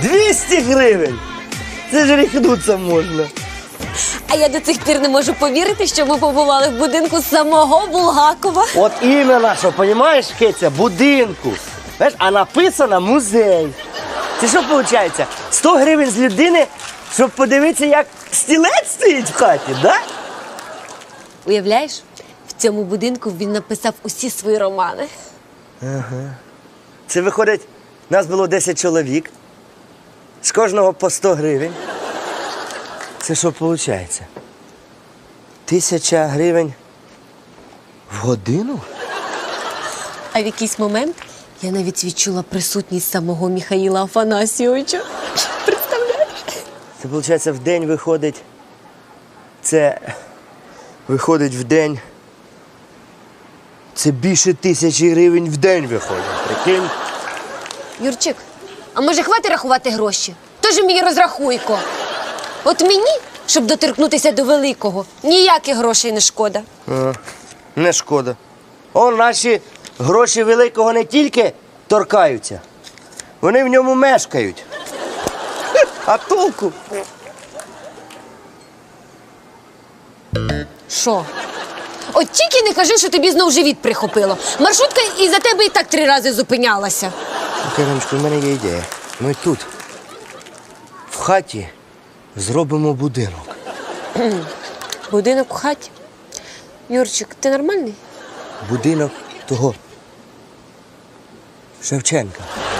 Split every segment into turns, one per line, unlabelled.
200 гривень! Це ж ріхнуться можна.
А я до цих пір не можу повірити, що ми побували в будинку самого Булгакова.
От іменно, що, понімаєш, Киця, будинку. Знаєш, а написано музей. Це що виходить? 100 гривень з людини, щоб подивитися, як стілець стоїть в хаті, да?
Уявляєш, в цьому будинку він написав усі свої романи.
Це виходить, нас було 10 чоловік, з кожного по 100 гривень. Це що виходить? 1000 гривень в годину?
А в якийсь момент я навіть відчула присутність самого Михаїла Афанасійовича. Представляєш?
Це, виходить, в день виходить. Це виходить в день. Це більше 1000 гривень в день виходить. Прикинь?
Юрчик, а може хватить рахувати гроші? Тож мій розрахуйко. От мені, щоб доторкнутися до великого, ніяких грошей не шкода.
Не шкода. О, наші гроші великого не тільки торкаються, вони в ньому мешкають. А толку?
Що? От тільки не кажи, що тобі знов живіт прихопило. Маршрутка із-за тебе і так 3 рази зупинялася.
Кариночко, в мене є ідея. Ми тут, в хаті, зробимо будинок.
Будинок у хаті. Юрчик, ти нормальний?
Будинок того Шевченка.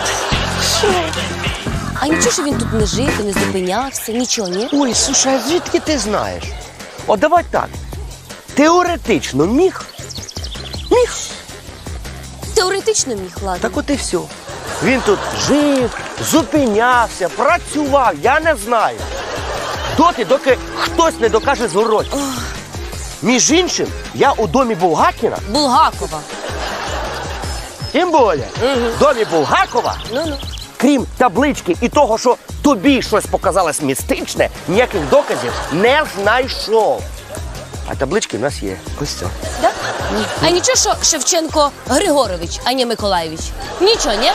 А нічого, що він тут не жив і не зупинявся, нічого, ні?
Ой, слушай, а звідки ти знаєш? О, давай так. Теоретично міг? Міг.
Теоретично міг, ладно.
Так от і все. Він тут жив, зупинявся, працював, я не знаю. Доки хтось не докаже зворотні. Між іншим, я у домі Булгакіна,
Булгакова.
тим більше, в домі Булгакова,
Ну-ну.
крім таблички і того, що тобі щось показалось містичне, ніяких доказів не знайшов. А таблички в нас є. Ось це.
Да? А нічого, що Шевченко Григорович, а не Миколаєвич? Нічого, ні?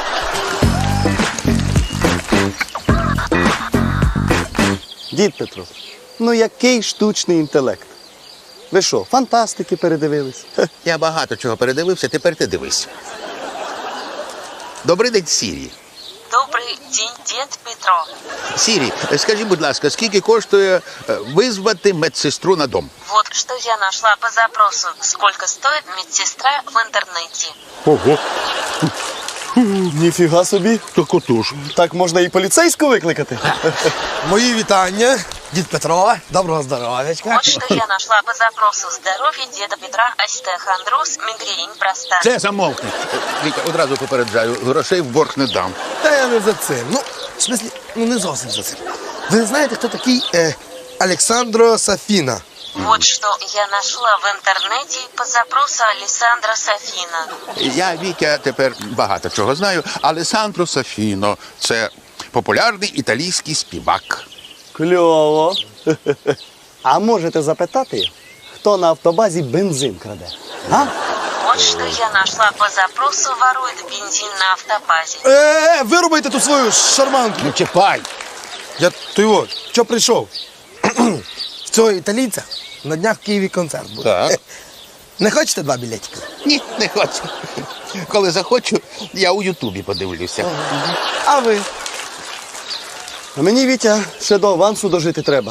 Дід Петро, ну який штучний інтелект? Ви що, фантастики передивились?
Я багато чого передивився, тепер ти дивись. Добрий день, Сірі.
Добрий день, дід Петро.
Сірі, скажи, будь ласка, скільки коштує визвати медсестру на дом?
Вот что я нашла по запросу. Сколько стоит медсестра в интернете?
Ого. Ніфіга собі.
Так отож.
Так можна і поліцейську викликати.
Мої вітання, дід Петро, доброго здоров'ячка.
Вот что я нашла по запросу. Здоровье деда Петра, остеохондроз, мигрень, простата.
Це замовкни. Вітя, одразу попереджаю, грошей в борг не дам.
Та я не за цим. Ну, в смислі, ну не зовсім за цим. Ви не знаєте, хто такий Олександро Сафіна?
Вот что я нашла в интернете по запросу Алессандро Сафина.
Я, Вітя, тепер багато чого знаю. Алессандро Сафіно – це популярний італійський співак.
Кльово. А можете запитати, хто на автобазі бензин краде? А?
Вот что я нашла по запросу ворует бензин на автобазе.
Вирубайте ту свою шарманку.
Не чіпай!
Я той от, що прийшов? В цього італійця на днях в Києві концерт буде.
Так.
Не хочете 2 білетики?
Ні, не хочу. Коли захочу, я у Ютубі подивлюся.
А ви? А мені, Вітя, ще до авансу дожити треба.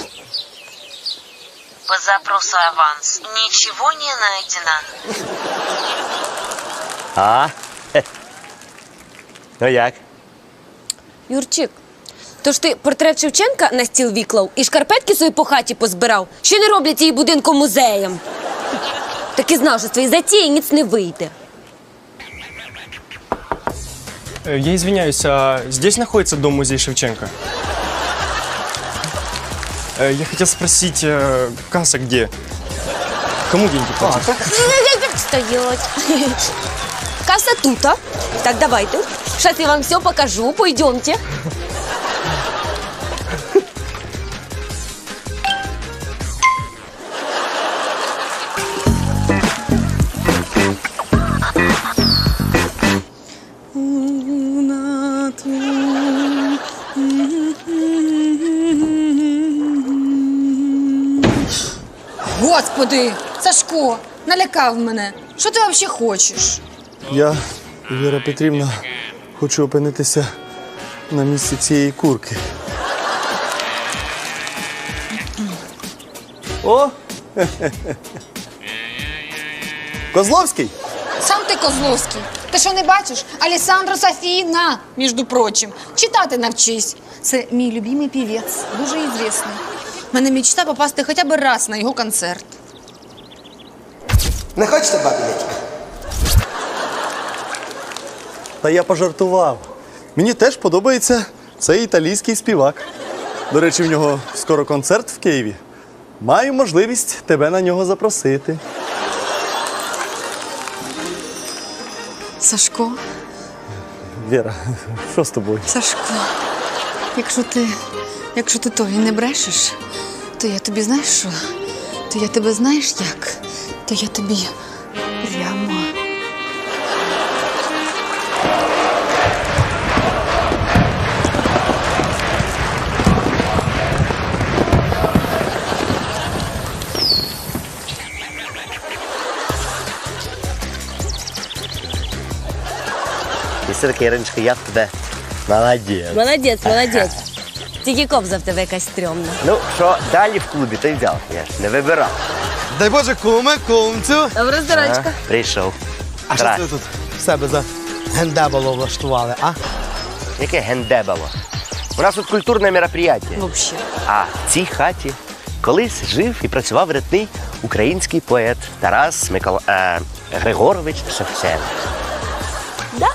По запросу аванс. Ничего не найдено.
А? Ну як?
Юрчик, то ж ти портрет Шевченка на стіл віклав і шкарпетки свої по хаті позбирав, що не роблять її будинком музеєм. Так і знав, що з твоєї затії ніц не вийде.
Я извиняюсь, а здесь находится дом-музей Шевченко? Я хотел спросить, касса где? Кому деньги платить?
Стоять. Касса тута. Так, давайте. Сейчас я вам все покажу. Пойдемте.
Господи, Сашко, налякав мене. Що ти взагалі хочеш?
Я, Віра Петрівна, хочу опинитися на місці цієї курки. О! Козловський?
Сам ти Козловський. Ти що не бачиш? Алесандро Сафіна, між прочим. Читати навчись. Це мій любимий півець, дуже ізвісний. У мене мечта попасти хоча б раз на його концерт.
Не хочете бабілетик?
Та я пожартував. Мені теж подобається цей італійський співак. До речі, в нього скоро концерт в Києві. Маю можливість тебе на нього запросити.
Сашко,
Віра, що з тобою?
Сашко, якщо ти того і не брешеш, то я тобі знаєш що? То я тебе знаєш як? То я тобі прямо.
І все-таки, Іриночка, я в тебе молодець.
Молодець. Тільки кобза в тебе якась стрьомна.
Ну, що далі в клубі, то й взяв. Я ж не вибирав.
Дай Боже, куме, кумцю.
Добре, здорочка.
Прийшов.
А що це ви тут в себе за гендебало влаштували, а?
Яке гендебало. У нас тут культурне мероприятие.
Вообще.
А в цій хаті колись жив і працював видатний український поет Тарас Григорович Шевченко.
Да?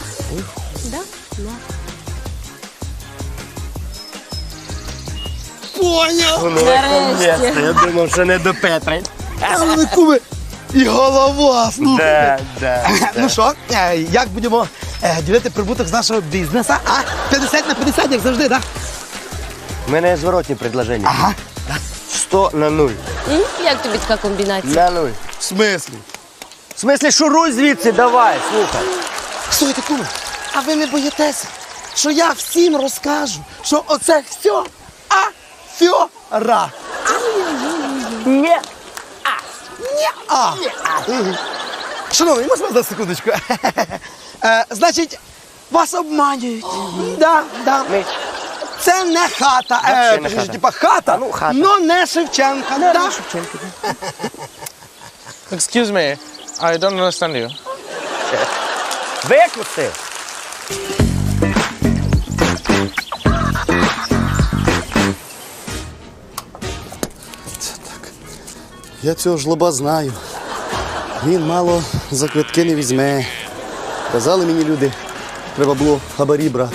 Поняв!
Нарешті.
Я думав, що не до Петри.
Але куме, і голова, слухай.
Да.
Ну що, як будемо ділити прибуток з нашого бізнесу, а? 50 на 50, як завжди, так?
У мене є зворотні предложення.
Ага.
100 на 0.
Як тобі така комбінація?
На 0.
В смислі?
В смислі, шуруй звідси, давай, слухай.
Слухайте, куме, а ви не боїтеся, що я всім розкажу, що оце все афьора?
Ні.
Шановний, можна на секундочку? Значить, вас обманюють. Да.
Ми.
Це не хата.
Вообще не хата.
Типа хата,
Ну, хата.
но не Шевченка. Да?
Excuse me, I don't understand you.
Викусти.
Я цього жлоба знаю. Він мало за квитки не візьме. Казали мені люди, треба було хабарі брати.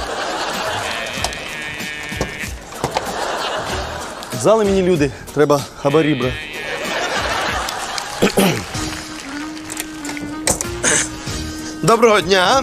Казали мені люди, треба хабарі брати.
Доброго дня.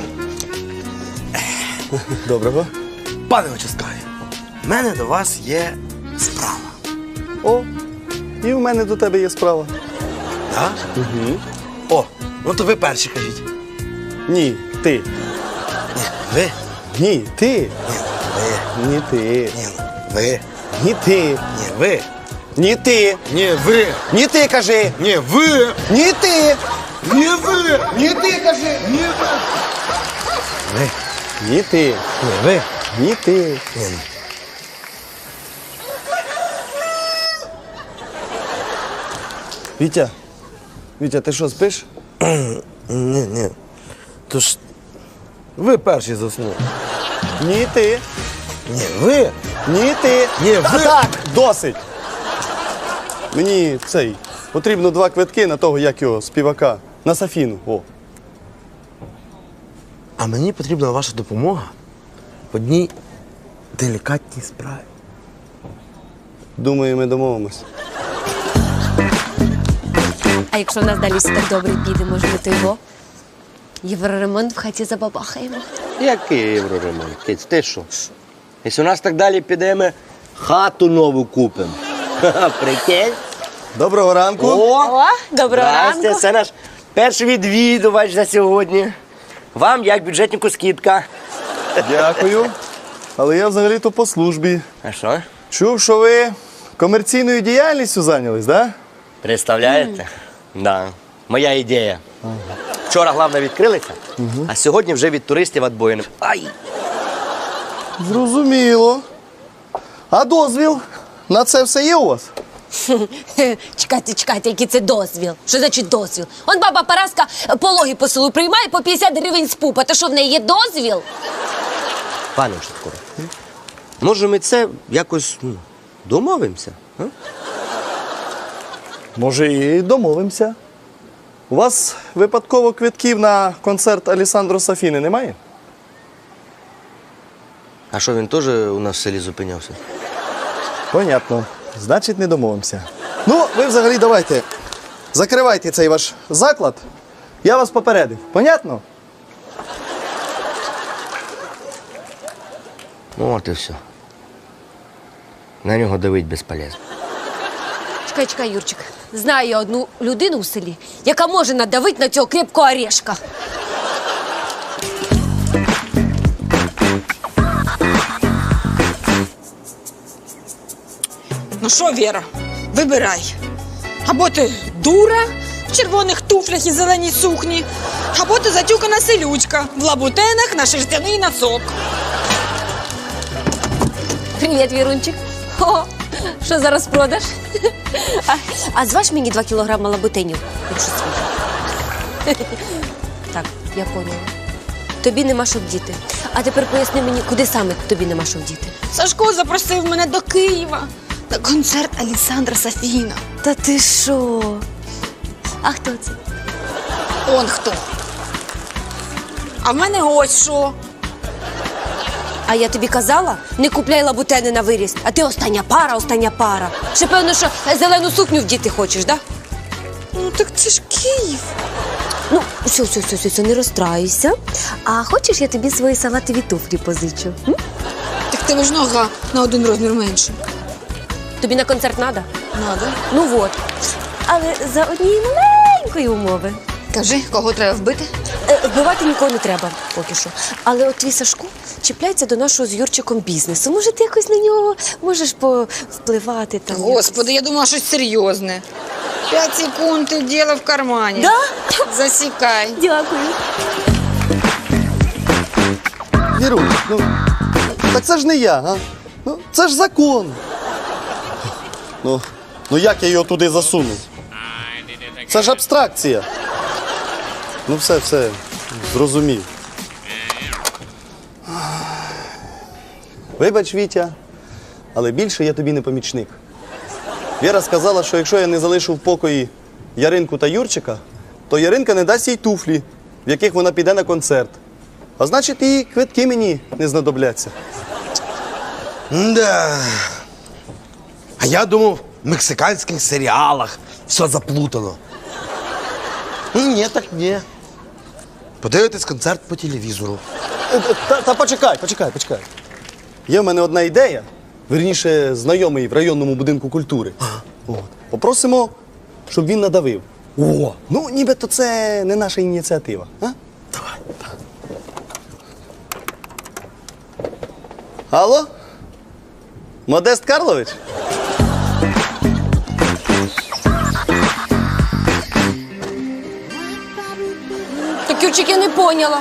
Доброго.
Пане участкові, в мене до вас є справа.
О, і в мене до тебе є справа.
Да?
Угу.
О, ну то ви перші кажіть.
Ні, ти.
Ви?
Ні, ти.
Ви.
Ні, ти.
Ні, ви.
Ні, ти.
Ні, ви.
Ні, ти.
Ні, ви.
Ні, ти, кажи.
Ні, ви.
Ні, ти.
Ні, ви. Ні, ти кажи. Ні, ви. Ви.
Ні, ти.
Ні, ви.
Ні, ти.
Ні.
Вітя, ти що, спиш?
Ні. То ж ви перші заснули.
Ні, ти.
Ні, ви.
Ні, ти.
Ні, ви.
Так, досить. Мені потрібно 2 квитки на того, як його, співака. На Сафіну. О.
А мені потрібна ваша допомога в одній делікатній справі.
Думаю, ми домовимось.
А якщо в нас далі все так добре піде, може ми то його? Євроремонт в хаті забабахаємо.
Який євроремонт? Киць, ти що? Якщо у нас так далі піде, ми хату нову купимо. Прикинь?
Доброго ранку.
О, доброго
Здрасте,
ранку.
це наш перший відвідувач за сьогодні. Вам, як бюджетнику, скидка.
Дякую. Але я взагалі-то по службі.
А що?
Чув, що ви комерційною діяльністю зайнялись, так? Да?
Представляєте? Да. Моя ідея. Вчора главне відкрилися, а сьогодні вже від туристів відбоїним. Ай!
Зрозуміло. А дозвіл на це все є у вас?
Чекайте, який це дозвіл? Що значить дозвіл? Он баба Параска пологи по селу приймає по 50 гривень з пупа. Та що, в неї є дозвіл?
Пане Шевкуре, може ми це якось домовимося? А?
Може, і домовимося. У вас випадково квитків на концерт Алісандро Сафіни немає?
А що, він теж у нас в селі зупинявся?
Понятно. Значить, не домовимося. Ну, ви взагалі давайте. Закривайте цей ваш заклад. Я вас попередив. Понятно?
Ну, от і все. На нього давить безполезно.
Чекай, Юрчик. Знаю я одну людину в селі, яка може надавити на цього крепкого орешка.
Ну що, Віра, вибирай. Або ти дура в червоних туфлях і зеленій сукні, або ти затюкана селючка в лабутенах на шерстяний носок.
Привіт, Вірунчик. О, що зараз продаш? А зваж мені 2 кілограми лабутенів, якщо свіжа. Так, я поняла. Тобі нема що вдіти. А тепер поясни мені, куди саме тобі нема що вдіти.
Сашко запросив мене до Києва на концерт Александра Сафіна.
Та ти що? А хто це?
Он хто? А в мене ось що.
А я тобі казала, не купляй лабутени на виріст. А ти остання пара. Ще певно, що зелену сукню вдіти хочеш, да?
Ну так це ж Київ.
Ну, все, не розстраюйся. А хочеш, я тобі свої салатові туфлі позичу? М?
Так тебе ж нога на 1 розмір менше.
Тобі на концерт надо?
Надо.
Ну от. Але за однієї маленької умови.
Кажи, кого треба вбити?
Вбивати нікого не треба, поки що. Але от твій Сашко чіпляється до нашого з Юрчиком бізнесу. Може, ти якось на нього можеш повпливати там?
Господи, я думала, щось серйозне. 5 секунд і діло в кармані.
Да?
Засікай.
Дякую.
Вірусь, ну, так це ж не я, а? Ну, це ж закон. Ну як я його туди засунув? Це ж абстракція. Ну все, зрозумів. Вибач, Вітя, але більше я тобі не помічник. Віра сказала, що якщо я не залишу в покої Яринку та Юрчика, то Яринка не дасть їй туфлі, в яких вона піде на концерт. А значить, і квитки мені не знадобляться.
Да. А я думав, в мексиканських серіалах все заплутано. Ні, так ні. Подивитись концерт по телевізору.
Та почекай. Є в мене одна ідея, вірніше, знайомий в районному будинку культури. От. Попросимо, щоб він надавив.
О!
Ну, нібито це не наша ініціатива. А?
Давай.
Алло? Модест Карлович?
Так, Юрчик, я не поняла.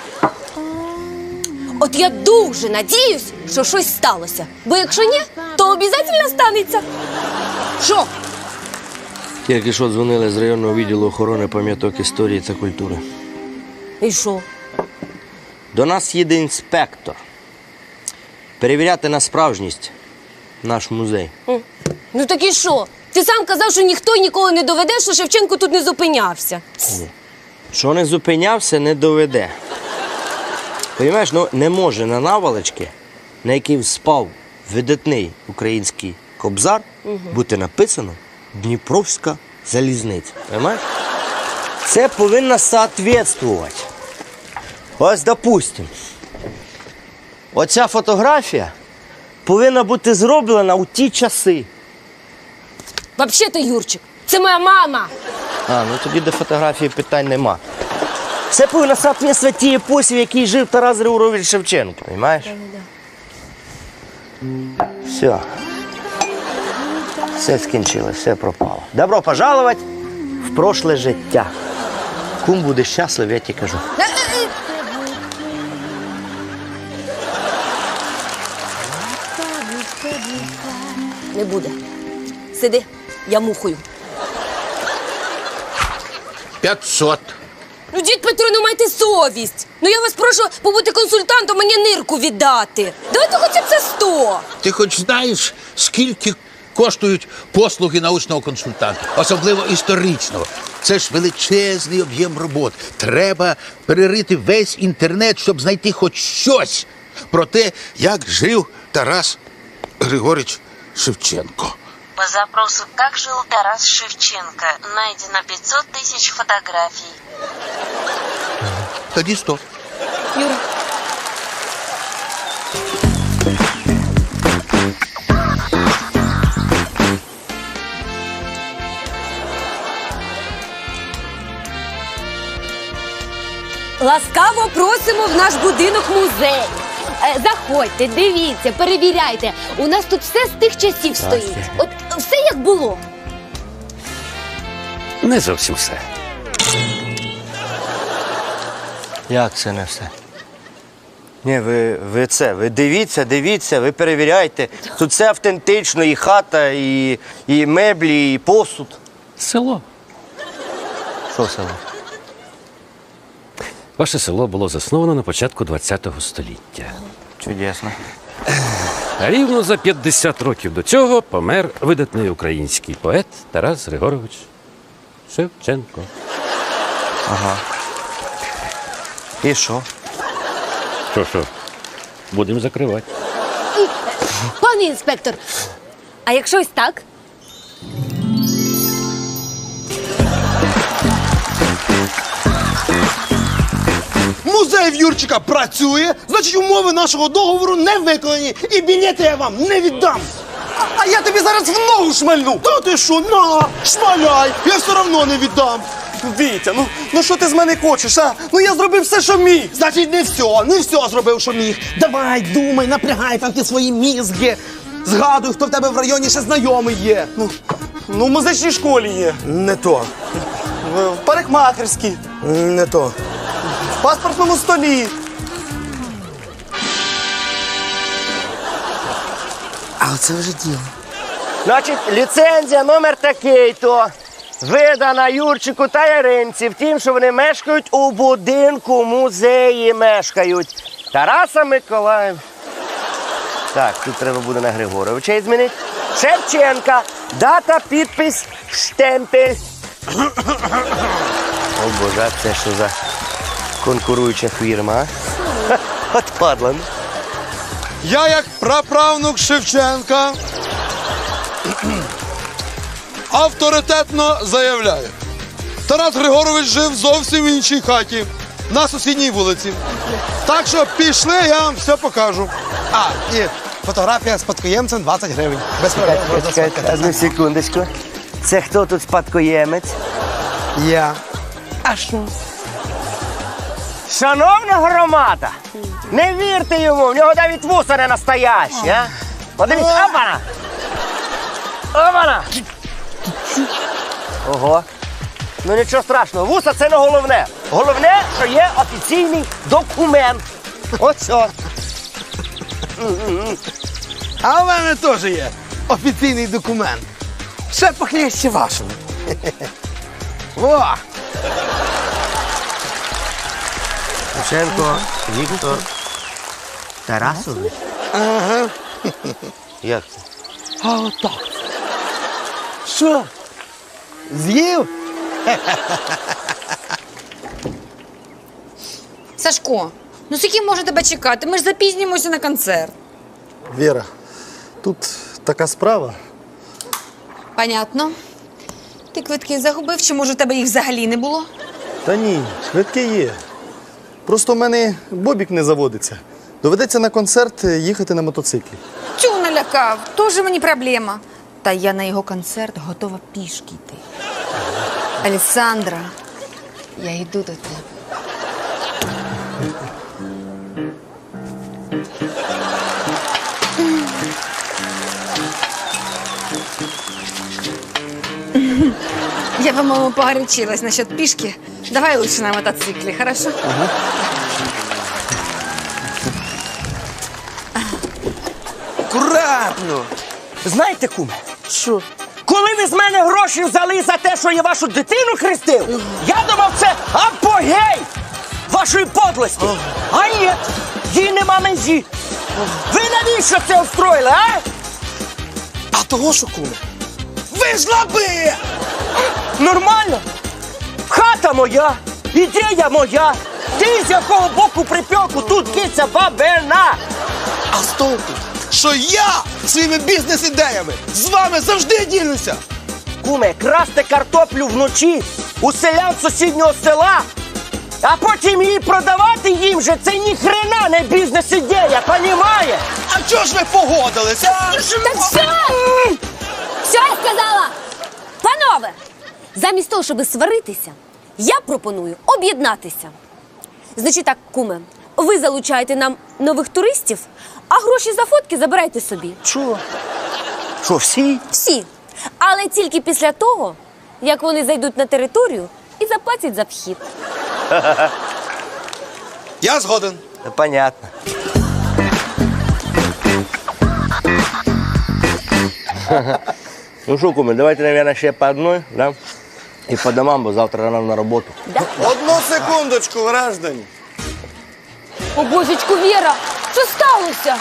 От я дуже надіюсь, що щось сталося. Бо якщо ні, то обов'язково станеться. Що?
Тільки що дзвонили з районного відділу охорони пам'яток історії та культури.
І що?
До нас їде інспектор. Перевіряти на справжність наш музей.
Ну так і що? Ти сам казав, що ніхто й ніколи не доведе, що Шевченко тут не зупинявся.
Що не зупинявся, не доведе. Понимаєш, ну не може на наволочці, на якій спав видатний український кобзар, бути написано Дніпровська залізниця. Понимаєш? Це повинно соответствувати. Ось, допустим, оця фотографія повинна бути зроблена у ті часи.
Взагалі-то, Юрчик, це моя мама.
А, ну тоді до фотографії питань нема. Це повинно соответствувати тій епосі, в якій жив Тарас Григорович Шевченко, розумієш? Все. Все скінчилось, все пропало. Добро пожаловать в прошле життя. Кум буде щасливий, я ті кажу.
Не буде. Сиди, я мухою.
500.
Ну, дід Петро, ну майте совість. Ну я вас прошу побути консультантом, мені нирку віддати. Давайте хоча б це 100.
Ти хоч знаєш, скільки коштують послуги научного консультанта, особливо історичного. Це ж величезний об'єм робот. Треба перерити весь інтернет, щоб знайти хоч щось про те, як жив Тарас Григорич Шевченко.
По запросу «Как жил Тарас Шевченко» найдено 500 тысяч фотографий.
Тоді 100.
Юра. Ласкаво просимо в наш будинок-музей. Заходьте, дивіться, перевіряйте. У нас тут все з тих часів стоїть. От все як було.
Не зовсім все.
Як це не все? Ні, ви дивіться, ви перевіряйте. Тут все автентично, і хата, і меблі, і посуд.
Село.
Що село?
Ваше село було засновано на початку ХХ століття.
Чудесно.
А рівно за 50 років до цього помер видатний український поет Тарас Григорович Шевченко.
Ага. І що?
Що? Будемо закривати.
Пане інспектор, а якщо ось так?
Музей в Юрчика працює, значить умови нашого договору не виконані. І білети я вам не віддам.
А я тобі зараз в ногу шмальну!
Та ти що, на, шмаляй, я все одно не віддам.
Вітя, ну що ти з мене хочеш, а? Ну я зробив все, що міг.
Значить, не все зробив, що міг. Давай, думай, напрягай там ті свої мізки. Згадуй, хто в тебе в районі ще знайомий є.
Ну, в музичній школі є.
Не то,
В парикмахерській,
не то.
в паспортному столі.
А оце вже діло.
Значить, ліцензія номер такий-то. Видана Юрчику та Яринці. Втім, що вони мешкають у будинку музеї мешкають. Тараса Миколаїв. Так, тут треба буде на Григоровича і змінити. Шевченка. Дата, підпис, штемпель. О, Боже, а це що за конкуруюча фірма, а? От падла. ну.
Я, як праправнук Шевченка, авторитетно заявляю. Тарас Григорович жив зовсім в іншій хаті, на сусідній вулиці. Так що пішли, я вам все покажу. А, і фотографія з спадкоємцем 20 гривень. Без проблем.
Чекайте, одну секундочку. Це хто тут спадкоємець?
Я.
А що? Шановна громада, не вірте йому, в нього навіть вуса не настоящі, а? Подивіться, опана! Опана! Ого. Ну нічого страшного, вуса це не головне. Головне, що є офіційний документ. Оце.
А в мене теж є офіційний документ. Ще похлеще вашому. О!
Шевченко Віктор Тарасович?
Ага.
Як це?
А отак. Що? З'їв?
Сашко, ну скільки можна тебе чекати? Ми ж запізнімося на концерт.
Віра, тут така справа.
Понятно. Ти квитки загубив, чи може у тебе їх взагалі не було?
Та ні, квитки є. Просто в мене бобік не заводиться. Доведеться на концерт їхати на мотоциклі.
Тю, налякав, тоже мені проблема. Та я на його концерт готова пішки йти. Александра, я йду до тебе. Я, по-моему, погорячилась насчет пішки. Давай лучше на мотоциклі, хорошо?
Акуратно. Знаєте, куме? Що? Коли ви з мене гроші взяли за те, що я вашу дитину хрестив, я думав, це апогей вашої подлості. А ні, їй нема межі. Ви навіщо це устроїли, а?
А того, що куме? Ви ж лаби!
Нормально. Хата моя, ідея моя. Ти з якого боку припеку, тут киця бабина.
А з толку, що я своїми бізнес-ідеями з вами завжди ділюся!
Куме, красти картоплю вночі у селян сусіднього села, а потім її продавати їм же, це ні хрена не бізнес-ідея, понімає?
А чого ж ви погодилися?
Так все! Все я сказала! Панове, замість того, щоб сваритися, я пропоную об'єднатися. Значить так, куме, ви залучаєте нам нових туристів, а гроші за фотки забирайте собі.
Що? Що, всі?
Всі. Але тільки після того, як вони зайдуть на територію і заплатять за вхід.
Я згоден.
Понятно. Ну що, куме, давайте, наверное, ще по одной, да? І по домам, бо завтра рано на роботу.
Одну секундочку, граждані.
О, божечку, Віра, що сталося?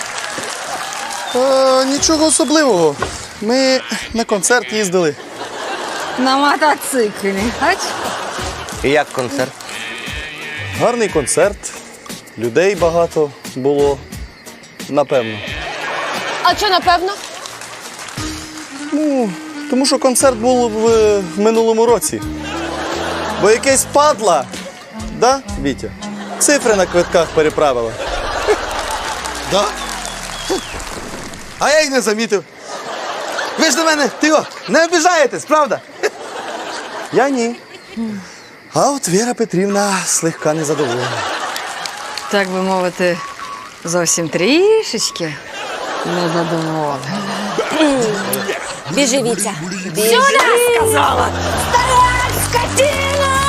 Нічого особливого. Ми на концерт їздили.
На мотоциклі. Ач?
І як концерт?
Гарний концерт. Людей багато було. Напевно.
А що, напевно?
Тому що концерт був в минулому році. Бо якесь падла, да, Вітя? Цифри на квитках переправила.
Да? А я й не замітив. Ви ж до мене, не обіжаєтесь, правда?
Я ні. А от Віра Петрівна слегка незадоволена.
Так би мовити, зовсім трішечки незадоволена.
Біжи, Вітя. Біжи! Сюди, сказала! Старая скотина!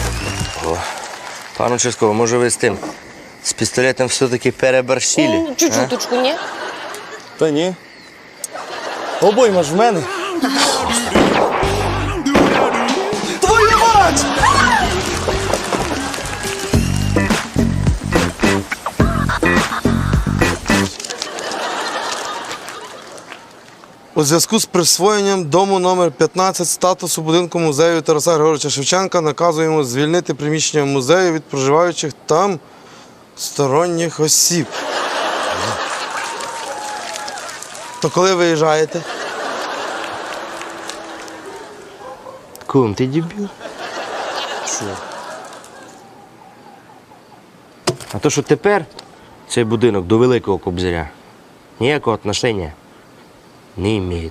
Пан участковий, може ви з тим, з пістолетом все-таки переборщили?
Чуть-чуточку, ні?
Та ні. Обойма ж в мене.
Твою мать! У зв'язку з присвоєнням дому номер 15 статусу будинку музею Тараса Григоровича Шевченка наказуємо звільнити приміщення музею від проживаючих там сторонніх осіб. То коли виїжджаєте?
Кум, ти дебіл?
Що?
А то, що тепер цей будинок до Великого Кобзаря ніякого отношення не має.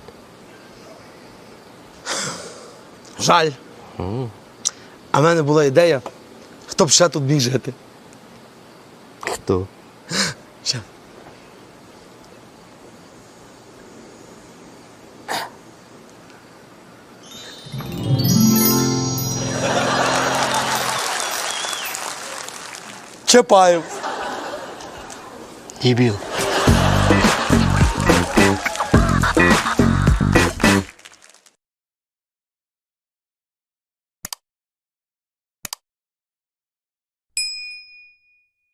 Жаль. А в мене була ідея, хто б ще тут міг жити.
Хто?
Ще. Чапаєв.
Дебіл.